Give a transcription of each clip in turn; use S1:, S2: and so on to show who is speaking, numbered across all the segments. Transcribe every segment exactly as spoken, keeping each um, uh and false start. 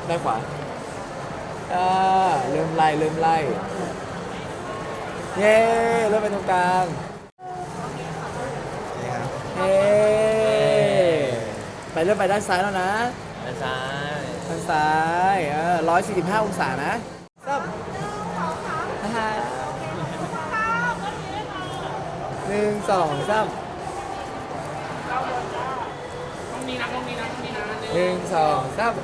S1: ด้านขวาอ่าเริ่มไล่เริ่มไล่เย้เริ่มไปตรงกลาง
S2: นี่ครับ
S1: เย้ไปเริ่มไปด้านซ้ายแล้วนะ
S3: ด้านซ้าย
S1: ทางซ้ายเออร้อยสี่สิบห้าองศานะซับฮ่าหนึ่งสองสามหนึ่งสองสาม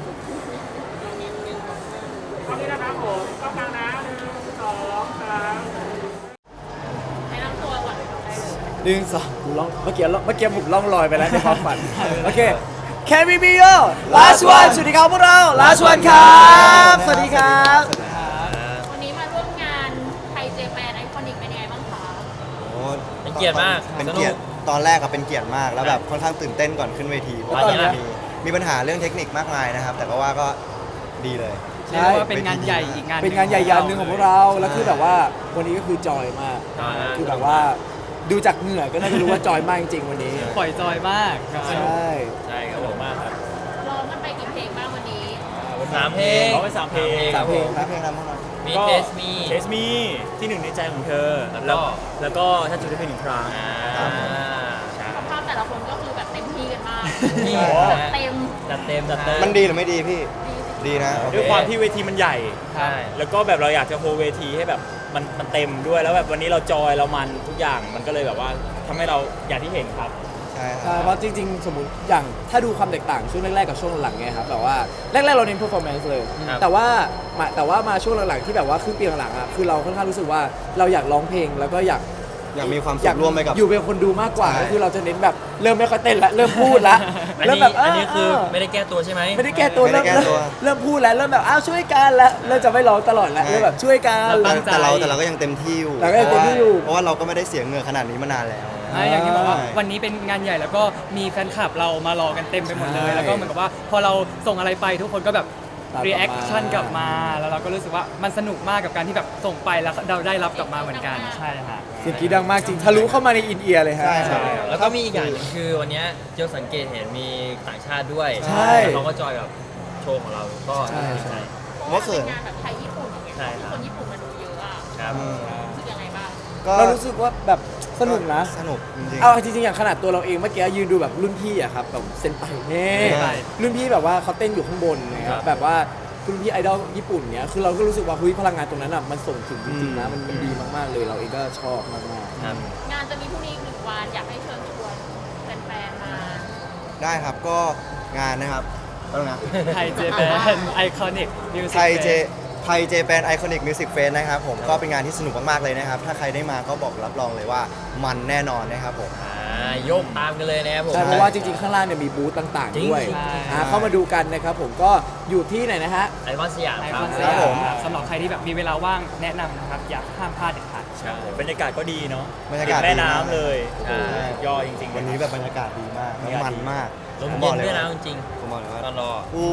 S4: ตรงนี้นะครับผมกล้องกลางนะหนึ่งสองสามให้นั่งตัวก่อนได้เลย
S1: หนึ่งสองกูล่องเมื่อกี้เมื่อกี้ผมล่องลอยไปแล้วในความฝัน โอเค Can we be your last one สวัสดีครับพวกเรา last one ครับสวัสดีครับ
S4: วันนี้มาร่วมงานไทยเจแปนไอคอนิกเป็นยังไงบ้างคะ
S2: โอ้
S3: เป็นเกียรติมาก
S2: เป็น
S3: สนุ
S2: เกียรติตอนแรกอะเป็นเกียรติมากแล้วแบบค่อนข้างตื่นเต้นก่อนขึ้นเวทีเพราะว่า
S3: ตอนนี้
S2: มีมีปัญหาเรื่องเทคนิคมากมายนะครับ แต่ก็ว่าก็ดีเลย
S1: ใช่
S5: เรียกว่าเป็นงานใหญ่อีกงาน
S1: เป็นงานใหญ่ยันหนึ่งของพวกเรา แล้วคือแบบว่าวันนี้ก็คือจอยมาก
S3: จอยมาก
S1: คือแบบว่าดูจากเหงื่อก็น่าจะรู้ว่าจอยมากจริงๆวันนี้
S5: ปล่อยจอยมาก
S1: ใช่
S3: ใช่ครับผมมากครับ
S4: ร้องกันไปกี่เพลงบ้างวันนี้
S3: สามเพลง
S6: ร้องไปสามเพลง
S1: สามเพลงครับ
S2: เพลงอะไรบ้างครับ
S3: มี
S6: ก็
S3: เทสมี
S6: เทสมีที่หนึ่งในใจของเธอ
S3: แล้วก็
S6: แล้วก็ถ้าจุดได้เป็นหนึ่งครั้ง
S3: อ่า
S6: ใช่
S4: สภาพแต่ละคนก็คือแบบเต็มที่กันมาก
S3: นี่
S4: เต็ม
S3: จัดเต็มจัดเต็ม
S2: มันดีหรือไม่ดีพี่ ดีนะโอเค
S6: ด้วยความที่เวทีมันใหญ่
S3: ใช่
S6: แล้วก็แบบเราอยากจะโฮเวทีให้แบบมันมันเต็มด้วยแล้วแบบวันนี้เราจอยเรามันทุกอย่างมันก็เลยแบบว่าทำให้เราอย่างที่เห็นครับ
S2: ใช่ค
S1: ใช่
S2: รับ
S1: เพราะจริงๆ สมมติอย่างถ้าดูความแตกต่างช่วงแรกๆกับช่วงหลังไงครับแบบว่าแรกๆเราเน้น performance เลย
S3: ครับ
S1: แต่ว่ามาแต่ว่ามาช่วงหลังๆที่แบบว่าครึ่งปีหลังๆอ่ะคือเราค่อนข้างรู้สึกว่าเราอยากร้องเพลงแล้วก็อยาก
S2: อยากมีความสุขร่วมไปกับ
S1: อยู่เป็นคนดูมากกว่า
S2: ใช่
S1: ก็คือเราจะเน้นแบบเริ่มไม่ค่อยเต้นละเริ่มพูดละ
S3: อัน
S1: เริ่ม
S3: นี้
S1: แบบเ
S3: อันนี้คือ
S1: เ
S3: ไม่ได้แก้ตัวใช่ไหม
S1: ไม่ได้แก้ตัว
S2: ไม่ได้
S1: เริ่ม
S2: แก้ตัว
S1: เริ่มพูดแล้วเริ่มแบบอ้าวช่วยกันแล้วเริ่มจะไม่ร้องตลอดแล้ว
S2: ใช่
S1: เริ่มแบบช่วยกัน
S2: แต่แต่เราแต่เราก็ยังเต็มที่อยู่
S1: เราก็ยังเต็มที่อยู่
S2: เพราะว่าเราก็ไม่ได้เสียเหงื่อขนาดนี้มานานแล้ว
S5: อ่าอย่างที่บอกว่า
S2: ใช่
S5: วันนี้เป็นงานใหญ่แล้วก็มีแฟนคลับเรามารอกันเต็มไปหมดเลย
S1: ใช่
S5: แล้วก็เหมือนกับว่าพอเราส่งอะไรไปทุกคนก็แบบ
S1: ตามกลับมา
S5: รีแอคชั่นกลับมา แล้วเราก็รู้สึกว่ามันสนุกมากกับการที่แบบส่งไปแล้วเราได้รับกลับมาเหมือนกัน ใช่ฮะ
S1: เสียงกรีดดังมากจริงทะลุเข้ามาในอินเอียร์เลยฮะ
S2: ใช่ครับ
S3: แล้วก็มีอีกอย่างหนึงคือวันเนี้ยเจ้าสังเกตเห็นมีต่างชาติด้วย
S1: ใช่
S3: แล้วเขาก็จอยกับโชว์ของเราก็
S1: ใช่ใช่
S4: เพราะว่าเป็นงานแบบไทยญี่ปุ่นอย่างเงี้ย
S3: ใช่ครับ
S4: คนญี่ปุ่นมาดูเยอะอะ
S3: ครับ
S2: อืม
S4: รู้สึกยังไงบ้าง
S2: ก็
S1: เรารู้สึกว่าแบบสนุกนะ
S2: สนุกจริงๆ
S1: เอาจริงๆอย่างขนาดตัวเราเองเมื่อกี้ยืนดูแบบรุ่นพี่อะครับแบบเซนไปเน่
S2: ใช่
S1: รุ่นพี่แบบว่าเขาเต้นอยู่ข้างบนนะค
S3: ครั
S1: รับบ แบบว่ารุ่นพี่ไอดอลญี่ปุ่นเนี้ยคือเราก็รู้สึกว่าเฮ้ยพลังงานตรงนั้นอะมันส่งถึงจริงๆนะมันมันดีมากๆเลยเราเองก็ชอบมาก
S3: ครับ
S4: งานจะมีพรุ่งนี้อีกหนึ่งวันอยากให้เชิญชวนแฟนๆมา
S2: ได้ครับก็งานนะครับแล้วนะ
S5: ไทยเจแปนไอคอนิกมิวสิก
S2: ไทยเจไทยเจแปนไอคอนิกมิวสิกเฟสนะครับผมก็เป็นงานที่สนุกมาก ๆ เลยนะครับ ถ้าใครได้มาก็บอกรับรองเลยว่ามันแน่นอนนะครับผม
S3: อ่าโยกตามกันเลยนะครับผ
S1: ๆ
S3: ม
S1: ใช่เพราะว่าจริงๆข้างล่างเนี่ยมีบูธต่าง
S3: จริ
S1: ๆ
S3: ง
S1: ด้วย
S5: ใช่
S1: อ่าเข้ามาดูกันนะครับผมก็อยู่ที่ไหนนะฮะ
S3: ไอคอนสยาม
S5: ไอ
S3: ค
S5: ค
S3: รั
S5: อบ นส
S2: ครั
S5: ยา
S2: บผม
S5: มสำหรับใครที่แบบมีเวลาว่างแนะนำนะครับ อยากห้ามพลาดเด็ดขาด
S6: ใช่บรรยากาศก็ดีเนาะ
S2: บรรยากาศ
S6: ติดแม่
S2: ดีมาก
S6: น้ำเลย
S3: ใช่
S6: โอ้โหสุดยอดจริงๆ
S2: วันนี้แบบบรรยากาศดีมากแล้วมันมาก
S3: ลม
S2: ผมบ
S3: เย็
S2: อก
S3: น
S2: เลย
S3: ด้วยนะ
S2: ว่า
S3: จริง
S2: ผมบอกเลยว่า
S3: ๆตอนรอ
S2: อู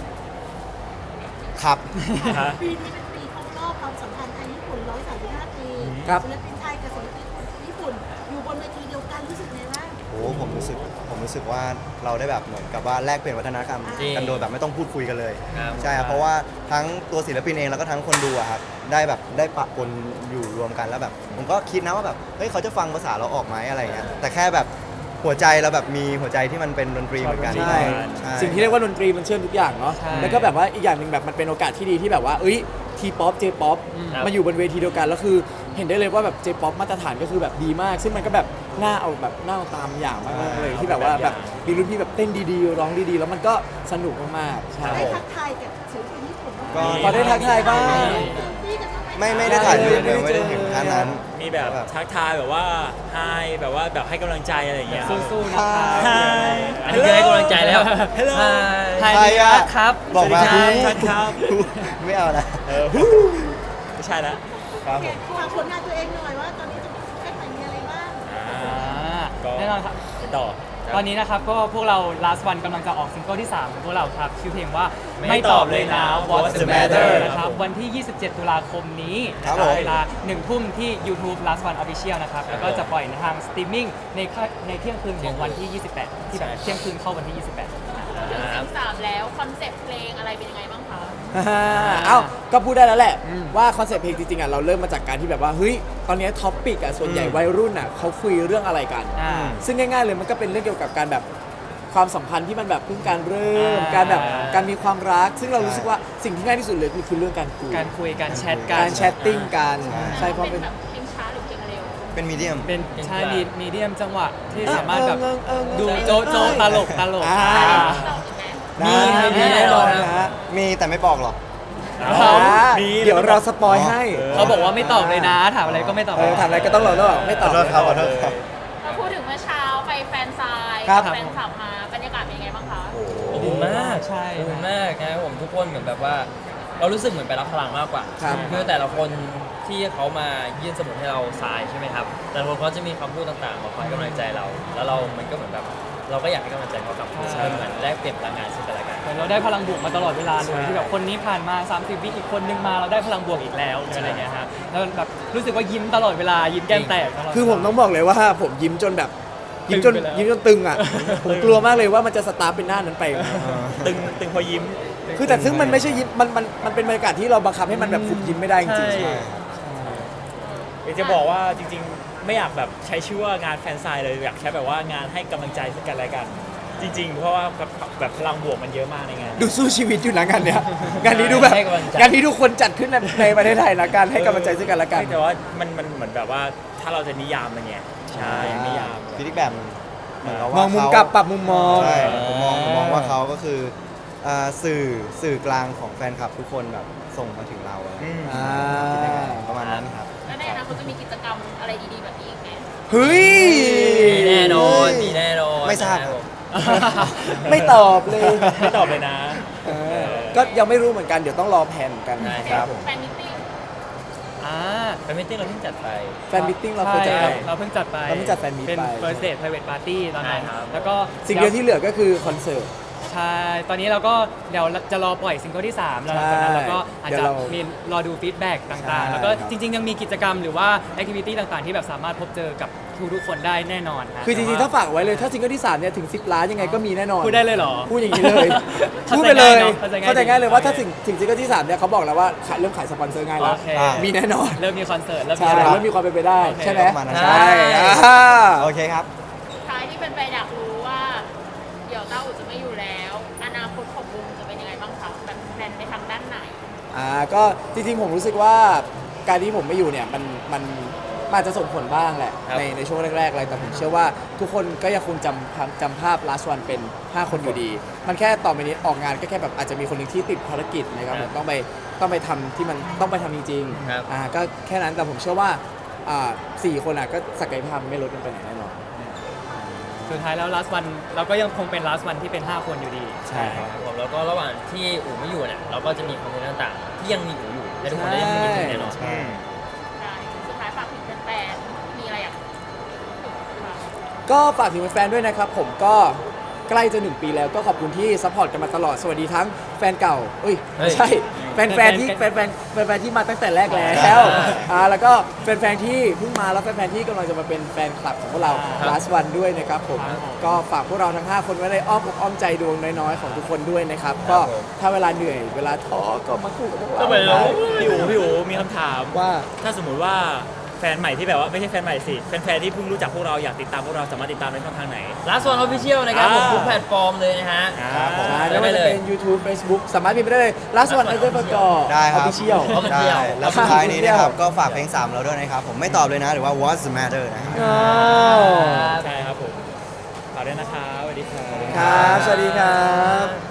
S2: ครับ
S6: ฮะ
S7: ปีนี้เป็นปีครบรอบความสัมพันธ์ไทยญี่ปุ่นหนึ่งร้อยสามสิบห้า ปี
S1: ครับ
S7: ศิลปินไทยกับศิลปินญี่ปุ่น อยู่บนเวทีเดียวกันรู้สึกไงบ้าง
S2: โอ้ผมรู้สึกผมรู้สึกว่าเราได้แบบเหมือนกับว่าแลกเปลี่ยนวัฒนธรรม
S3: จริง
S2: กันโดยแบบไม่ต้องพูดคุยกันเลย
S3: ครับ
S2: ใช่ครับเพราะว่าทั้งตัวศิลปินเองแล้วก็ทั้งคนดูอะครับได้แบบได้ปะปนอยู่รวมกันแล้วแบบ ผมก็คิดนะว่าแบบเฮ้ยเขาจะฟังภาษาเราออกไหมอะไรอย่างเงี้ยแต่แค่แบบหัวใจเราแบบมีหัวใจที่มันเป็นดนตรีเหมือนกัน
S1: ใช่
S2: ใช่
S1: สิ่งที่เรียกว่าดนตรีมันเชื่อมทุกอย่างเนาะ
S5: ใช่
S1: แล้วก็แบบว่าอีกอย่างหนึ่งแบบมันเป็นโอกาสที่ดีที่แบบว่าเอ้ยทีป๊อปเจป๊อป
S3: ครับ
S1: มาอยู่บนเวทีเดียวกันแล้วคือเห็นได้เลยว่าแบบเจป๊อปมาตรฐานก็คือแบบดีมาก ซึ่งมันก็แบบน่าเอาแบบน่าเอาตามอย่างมากๆเลยที่แบบว่าแบบมีรุ่นพี่แบบเต้นดีๆร้องดีๆ แล้วมันก็สนุกมากๆใช่
S7: ได้ทักทายกับศิลปินญี่ปุ่นบ้างไหม
S2: ก็
S1: พอได้ทักทายบ้าง
S7: พี่กันบ้างไหม
S2: ไม่ไม่ได้ถ่ายรูปเลย
S1: ไม่
S2: ไม่
S1: ได้
S2: ได้
S1: เจอ
S2: ถึงขั้นนั้น
S6: มีแบบทักทายแบบว่าไฮแบบว่าแบบให้กำลังใจอะไรอย่างเงี้ย
S5: สู้ๆนะครับ
S6: ไฮ
S3: อันนี้คือให้กำลังใจแล้ว
S6: ฮัลโหล
S5: ไทย
S2: ใครอะ
S5: ครับ
S2: บอกมา
S6: สวัสดีครับครับ
S2: ไม่เอาละ
S6: เออฮู้ไม่ใช่ละ
S2: ครับผม
S7: ฝากผลงานตัวเองหน่อยว่าตอนนี้จะมีซิงเกิลใหม่มีอะไรบ้าง
S6: อ่า
S5: อ่า
S6: ก็
S5: แน่นอนครับ
S6: ไปต่อ
S5: ตอนนี้นะครับก็พวกเรา last one กำลังจะออกซิงเกิลที่ สามของพวกเราครับ ชื่อเพลงว่า
S3: ไม่
S5: ไม่ตอบเลยนะ
S6: What's
S5: What's
S6: the
S5: the matter
S6: matter
S5: นะครับ วันที่ ยี่สิบเจ็ด ตุลาคมนี้
S2: ครับ
S5: นะ
S2: ผม
S5: เวลาหนึ่งทุ่มที่ YouTube last one official นะครับ แล้วก็จะปล่อยในทางสตรีมมิ่งในค่าในเที่ยงคืนของวันที่ ยี่สิบแปด ที่แบบ
S6: ใช่
S5: เที่ยงคืนเข้าวันที่ ยี่สิบแปด
S4: ถึงสิบสามแล้วคอนเซ็ปต์เพลงอะไรเป็นยังไงบ้างคะ
S1: ฮ่าเอ้าก็พูดได้แล้วแหละ ว่าคอนเซ็ปต์เพลงจริงๆอ่ะเราเริ่มมาจากการที่แบบว่าเฮ้ยตอนนี้ท็อปปิกอ่ะส่วนใหญ่วัยรุ่นอ่ะเขาคุยเรื่องอะไรกัน
S5: อ่า
S1: ซึ่งง่ายๆเลยมันก็เป็นเรื่องเกี่ยวกับการแบบความสัมพันธ์ที่มันแบบเพิ่งการเริ่ม
S5: อ่า
S1: การแบบการมีความรัก ซึ่งเรารู้สึกว่าสิ่งที่ง่ายที่สุดเลยคือคือเรื่องการคุย
S5: การคุยการแชทกั
S1: กาน รแชทติ้งกัน
S2: ใช่
S1: ใช่เพราะ
S4: เป็
S1: เป็น น
S4: แบบเพลงช้าหรือเพลงเร็ว
S2: เป็นมีเดียม
S5: เป็น
S3: เป็น
S5: ใช่
S3: กลาง
S5: มีมีเดียมจังหวะที่
S1: เออ
S5: สามารถแบบ
S1: เออเออเออ
S5: ดู
S1: เออ
S5: โจ๊ะโจ๊ะตลกตลก
S1: อ่า
S5: อ่า
S4: เราอีกไหม
S1: ได้
S5: มี
S1: มีแน่นอนนะฮะ
S2: มีแต่ไม่บอกหรอก
S1: อ่า
S6: มี
S1: เดี๋ยวเราสปอยให้
S5: เขาบอกว่าไม่ตอบเลยนะ ถามอะไรก็ไม่ตอบ
S1: เออถามอะไรก็ต้องรอแล้วบอกไม่ตอบ
S2: ขอโทษครับขอโทษครับ
S4: เราพูดถึงเมื่อเช้าไปแฟนซาย
S1: ครับ
S4: แฟนคลับมาบรรยากาศเป็นยังไงบ้างคะ
S3: อบอุ่นมาก
S5: ใช่
S3: อบอุ่นมากนะครับผมทุกคนเหมือนแบบว่า เรารู้สึกเหมือนไปรับพลังมากกว่า
S1: ครับ
S3: คือแต่ละคนที่เขามายื่นสมุดให้เราทรายใช่ไหมครับ แต่ละคนเขาจะมีคำพูดต่างๆมาคอยให้กำลังใจเรา แล้วเรา มันก็เหมือนแบบ เราก็อยากให้กำลังใจเขากลับคืนเป็นเหมือนแลกเปลี่ยนพลังงานซึ่งกันและกัน
S5: เหมือนเราได้พลังบวกมาตลอดเวลาเลยที่แบบคนนี้ผ่านมา สามสิบ วิอีกคนนึงมาเราได้พลังบวกอีกแล้วหรืออะไรเงี้ยฮะแล้วแบบรู้สึกว่ายิ้มตลอดเวลายิ้มแก้มแตกตลอด
S1: คือผมต้องบอกเลยว่าผมยิ้มจนแบบยิ้มจน
S5: ตึงไปแล้ว
S1: ยิ้มจนตึงอ่ะ ผมกลัวมากเลยว่ามันจะสตาร์ทเป็นหน้านั้นไป
S6: ตึงตึงพอยิ้ม
S1: คือแต่ซึ่งมันไม่ใช่ยิ้มมันมันมันเป็นบรรยากาศที่เราบังคับให้มันแบบฝึกยิ้มไม่ได้จริง
S5: ใช่
S6: อยากจะบอกว่าจริงๆ ไม่อยากแบบใช้ชื่อว่างานแฟนไซน์เลยอยากใช้แบบว่างานให้กำลังใจซึ่งกันและกัน จริงๆ เพราะว่าแบบแบบพลังบวกมันเยอะมากในงาน
S1: ๆดูสู้ชีวิตอยู่นะงานเนี้ยงานนี้ดูแบบ
S3: ให้กำลังใจ
S1: งานนี้ทุกคนจัดขึ้นในในประเทศไทยนะการให้กำลังใจซึ่งกันและกัน
S6: แต่ว่ามันมันเหมือนแบบว่าถ้าเราจะนิยามมันเนี่ยใช่นิยาม
S2: ฟีดแบบเหมือนกับ
S1: ม
S2: ว่า
S1: องมุม
S2: เขา
S1: กลับปรับมุมมอง
S2: ใช่ผมมองผมมองว่าเขาก็คืออ่าสื่อสื่อกลางของแฟนคลับทุกคนแบบส่งมาถึงเราอะไรอย่างเงี้ย
S1: อ่า
S2: คิดยังไงประมาณนั้นครับ
S4: แล้วในอนาคตจะมีกิจกรรมอะไรดีๆแบบนี้อีกไหม
S1: เฮ้ย
S3: มีแน่นอนมีแน่นอน
S2: ไม่ทราบ
S3: นะคผม
S1: ไม่ตอบเลย
S6: ไม่ตอบเลยนะ
S1: เออก็ยังไม่รู้เหมือนกันเดี๋ยวต้องรอแผนกัน
S3: ได้
S1: ครับ
S4: แฟนมิตติ้ง
S5: อ่า
S3: แฟนมิตติ้งเราเพิ่งจัดไป
S1: แฟนมิทติ้งเราเคยจัด
S5: ใช่
S1: ไป
S5: เราเพิ่งจัดไป
S1: เราเพิ่งจัดแฟนมีต
S5: เป็น
S1: ไป
S5: first date private party ตอนนั้น
S3: ใช่ครับ
S5: แล้วก็
S1: สิ่งเดียวที่เหลือก็คือคอนเสิร์ต
S5: ใช่ ตอนนี้เราก็เดี๋ยวจะรอปล่อยซิงเกิลที่ สาม แล้วหลังจากนั้นเราก็อาจ
S1: เดี๋
S5: จะ
S1: ยวเรา
S5: มีรอดูฟีดแบ็ก
S1: ใช่
S5: ต่างๆ แล้วก็
S1: ครับ
S5: จริง ๆ ยังมีกิจกรรมหรือว่าแอคทิวิตี้ต่างๆ ที่แบบสามารถพบเจอกับทุกๆคนได้แน่นอนฮะ
S1: คือจริงๆ ถ้าฝากไว้เลย ถ้าซิงเกิลที่สามเนี่ยถึงสิบล้านยังไงก็มีแน่นอน
S5: พูดได้เลยเหรอ
S1: พูดอย่างนี้เลย
S5: เข้าใจ
S1: พูดไปเลย
S5: ง่ายเนอะ
S1: เข้าใจง่ายเลยว่า
S5: โอเค
S1: ถ้าถึงถึงซิงเกิลที่สามเนี่ยเขาบอกแล้วว่าขายเริ่มขายสปอนเซอร์ง่ายแล้ว
S5: โอเค
S1: มีแน่นอน
S5: เริ่มมีคอนเสิร์ตเริ่มมี
S1: ใช่
S5: อะไร
S1: เริ่มมีความเป็นไปได้
S5: โอเค
S1: ใช่ไหม
S2: ประมาณนั้น
S1: ใช่อ่า
S2: โอเคครับ
S4: ท้ายที่เป็นไปอยากรู้ว่า เดี๋ยวเต้าอู่จะไม่อยู่แล้ว อนาคตของวงจะเป็นยังไงบ้างคะแบบแพลนไปทางด้านไหน
S1: อ่าก็จริงๆผมรู้สึกว่าการที่ผมไม่อยู่เนี่ยมันมันมันอาจจะส่งผลบ้างแหละ
S3: ครับ
S1: ในในช่วงแรกๆอะไรแต่ผมเชื่อว่าทุกคนก็ยังคงจำภาพจำภาพ last one เป็น ห้า คนอยู่ดี มันแค่ต่อไปนี้ออกงานก็แค่แบบอาจจะมีคนหนึ่งที่ติดภารกิจนะครับผมต้องไปต้องไปทำที่มันต้องไปทำจริง
S3: ครับ
S1: ๆอ่าก็แค่นั้นแต่ผมเชื่อว่าอ่าสี่คนอ่ะก็ศักยภาพไม่ลดลงไปไหนแน่นอน
S5: สุดท้ายแล้ว last one เราก็ยังคงเป็น last one ที่เป็น ห้า คนอยู่ดี
S1: ใช่
S3: ครับผมแล้วก็ระหว่างที่อู๋ไม่อยู่เนี่ยเราก็จะมีคอนเทนต์ต่างๆ ที่ยังมีอู๋อยู่และทุกคนได้ยังมีอยู่แน่นอน
S6: อืม
S4: ได้สุดท้ายฝากถึงแฟนๆมีอะไรอยากพูดบ้าง
S1: ก็ฝากถึงแฟนๆด้วยนะครับผมก็ใกล้จะหนึ่งปีแล้วก็ขอบคุณที่ซัพพอร์ตกันมาตลอดสวัสดีทั้งแฟนเก่าเอ้ย
S3: เฮ้
S1: ไม่
S3: ย
S1: ใช่แฟนๆที่แฟนๆแฟนๆที่มาตั้งแต่แรกแล้วอ่าแล้วก็แฟนๆที่เพิ่งมาแล้วแฟนๆที่กำลังจะมาเป็นแฟนคลับของพวกเรา last one ด้วยนะครับผม
S5: ครับผม
S1: ก็ฝากพวกเราทั้งห้าคนไว้ในอ้อมอกอ้อมใจดวงน้อยๆของทุกคนด้วยนะครับก็ถ้าเวลาเหนื่อยเวลาท้อก็มาคู่กับพวกเรา
S6: ก็เหมือนเราพี่อู๋พี่อู๋มีคำถาม
S1: ว่า
S6: ถ้าสมมุติว่าแฟนใหม่ที่แบบว่าไม่ใช่แฟนใหม่สิแฟนๆที่เพิ่งรู้จักพวกเราอยากติดตามพวกเราสามารถติดตามได้ช่องทางไหน
S3: Last One Official นะครับผม
S6: อ่า
S3: ทุกแพลตฟอร์มเลยนะฮะ
S6: ครับผม
S1: ใช่
S3: ได้
S1: ไม่ว่าจะ
S3: เลย
S1: เป็น YouTube Facebook สามารถพิมพ์ไปได้เลย last one underscore
S2: ได้ครับ
S1: official
S3: เอาเป็นเที่ยว
S2: ได้แล้วสุดท้ายนี้นะครับ ก็ฝากเพลงสามเราด้วยนะครับ ผมไม่ตอบเลยนะ หรือว่า what's the matter นะครับ
S1: อ้าว
S6: ใช่ครับผมฝากด้วยนะครับสวัสดีครับ
S1: ครับ สวัสดีครับ